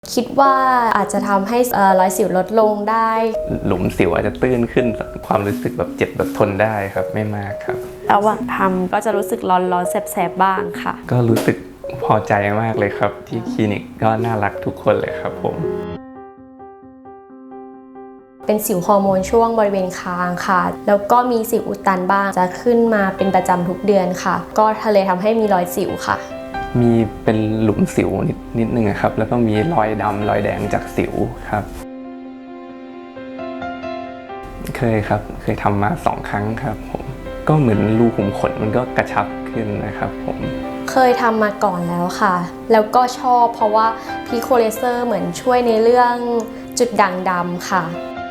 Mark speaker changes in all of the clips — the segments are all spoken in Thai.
Speaker 1: คิดว่าอาจจะทำให้รอยสิวลดลงได้
Speaker 2: หลุมสิวอาจจะตื้นขึ้นความรู้สึกแบบเจ็บแบบทนได้ครับไม่มากครับ
Speaker 1: ระหว่างทำก็จะรู้สึกร้อนๆแสบๆบ้างค่ะ
Speaker 2: ก็รู้สึกพอใจมากเลยครับที่คลินิกก็น่ารักทุกคนเลยครับผม
Speaker 1: เป็นสิวฮอร์โมนช่วงบริเวณคางค่ะแล้วก็มีสิวอุดตันบ้างจะขึ้นมาเป็นประจำทุกเดือนค่ะก็เลยทำให้มีรอยสิวค่ะ
Speaker 2: มีเป็นหลุมสิวนิดนึงครับแล้วก็มีรอยดำรอยแดงจากสิวครับเคยครับเคยทำมา2 ครั้งครับผมก็เหมือนรูขุมขนมันก็กระชับขึ้นนะครับผม
Speaker 1: เคยทำมาก่อนแล้วค่ะแล้วก็ชอบเพราะว่าพีโคเลเซอร์เหมือนช่วยในเรื่องจุดด่างดำค่ะ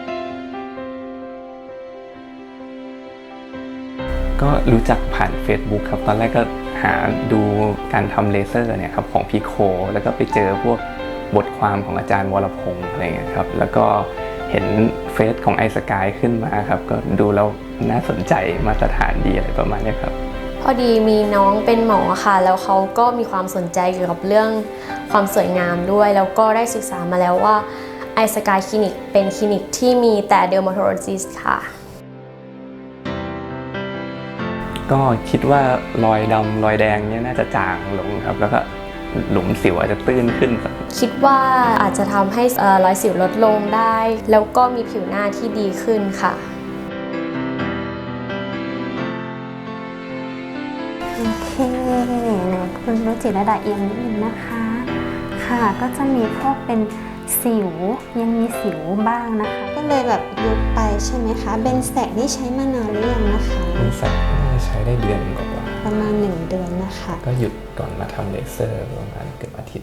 Speaker 2: ก็รู้จักผ่าน Facebook ครับตอนแรกก็หาดูการทำเลเซอร์เนี่ยครับของพีโคแล้วก็ไปเจอพวกบทความของอาจารย์วรพงศ์อะไรเงี้ยครับแล้วก็เห็นเฟซของไอสกายขึ้นมาครับก็ดูแล้วน่าสนใจมาตรฐานดีอะไรประมาณนี้ครับ
Speaker 1: พอดีมีน้องเป็นหมอค่ะแล้วเขาก็มีความสนใจเกี่ยวกับเรื่องความสวยงามด้วยแล้วก็ได้ศึกษามาแล้วว่าไอสกายคลินิกเป็นคลินิกที่มีแต่เดอร์มาโทโลจิสต์ค่ะ
Speaker 2: ก็คิดว่ารอยดำรอยแดงเนี่ยน่าจะจางลงครับแล้วก็หลุมสิวอาจจะตื้นขึ้น
Speaker 1: คิดว่าอาจจะทำให้รอยสิวลดลงได้แล้วก็มีผิวหน้าที่ดีขึ้นค่ะ
Speaker 3: โอเคนะคุณรุจิระดาเอียงนิดนึงนะคะค่ะก็จะมีพวกเป็นสิวยังมีสิวบ้างนะคะ
Speaker 4: ก็เลยแบบยุบไปใช่ไหมคะเบนแสกนี่ใช้มานานหรือยังนะคะ
Speaker 2: เป็นแสกใช้ได้เดือนกว่า
Speaker 4: ประมาณ1 เดือนนะคะ
Speaker 2: ก็หยุดก่อนมาทำเลเซอร์ประมาณเกือบอาทิตย์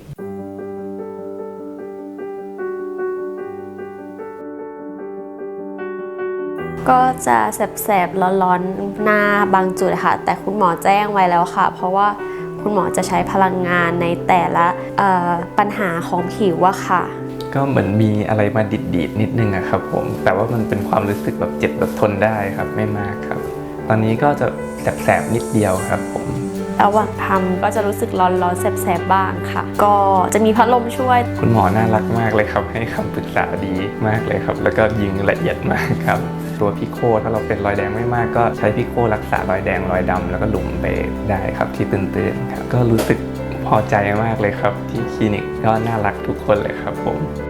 Speaker 1: ก็จะแสบๆร้อนๆหน้าบางจุดค่ะแต่คุณหมอแจ้งไว้แล้วค่ะเพราะว่าคุณหมอจะใช้พลังงานในแต่ละปัญหาของผิวอะค่ะ
Speaker 2: ก็เหมือนมีอะไรมาดิดๆนิดนึงอะครับผมแต่ว่ามันเป็นความรู้สึกแบบเจ็บแบบทนได้ครับไม่มากครับตอนนี้ก็จะแสบๆนิดเดียวครับผม
Speaker 1: ระหว่างทำก็จะรู้สึกร้อนๆแสบๆบ้างค่ะก็จะมีพัดลมช่วย
Speaker 2: คุณหมอน่ารักมากเลยครับให้คำปรึกษาดีมากเลยครับแล้วก็ยิงละเอียดมากครับตัวพิโคถ้าเราเป็นรอยแดงไม่มากก็ใช้พิโครักษารอยแดงรอยดำแล้วก็หลุมไปได้ครับที่ตื้นๆครับก็รู้สึกพอใจมากเลยครับที่คลินิกก็น่ารักทุกคนเลยครับผม